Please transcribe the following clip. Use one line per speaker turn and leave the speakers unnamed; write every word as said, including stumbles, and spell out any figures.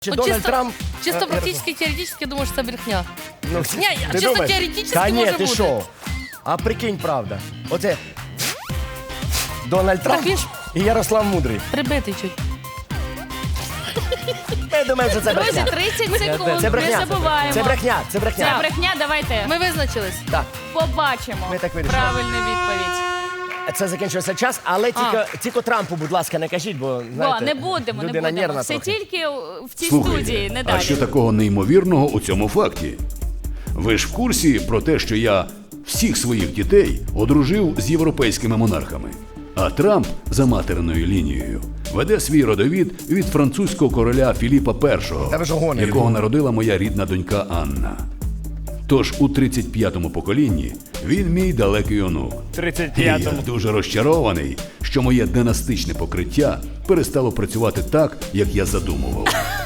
Чи
Ну,
Дональд
чисто,
Трамп...
чисто
Е,
практически, теоретически, я думаю, що це брехня.
Ну,
Ні,
ти
чисто
думаєш?
теоретично
Та ні,
може
ти
бути.
що? А прикинь, правда. Оце Дональд Трамп
він ж-
і Ярослав Мудрий.
Прибитий чуть.
Я думаю, що це
Друзі,
брехня.
тридцять секунд,
Це брехня.
не забуваємо.
Це брехня, це
Це
брехня.
брехня, давайте
Ми визначились.
Так,
побачимо
Ми так вирішили.
правильну відповідь.
це закінчився час, але тільки, тільки Трампу, будь ласка, не кажіть, бо, знаєте,
Бо не будемо, не
людина
будемо.
нервна
Все
трохи.
тільки в цій студії, не
а
далі.
що такого неймовірного у цьому факті? Ви ж в курсі про те, що я всіх своїх дітей одружив з європейськими монархами. А Трамп за материною лінією веде свій родовід від французького короля Філіпа Першого,
Та ви ж гоните.
якого народила моя рідна донька Анна. Тож у тридцять п'ятому поколінні він мій далекий онук.
тридцять
І я
п'ятому.
дуже розчарований, що моє династичне покриття перестало працювати так, як я задумував.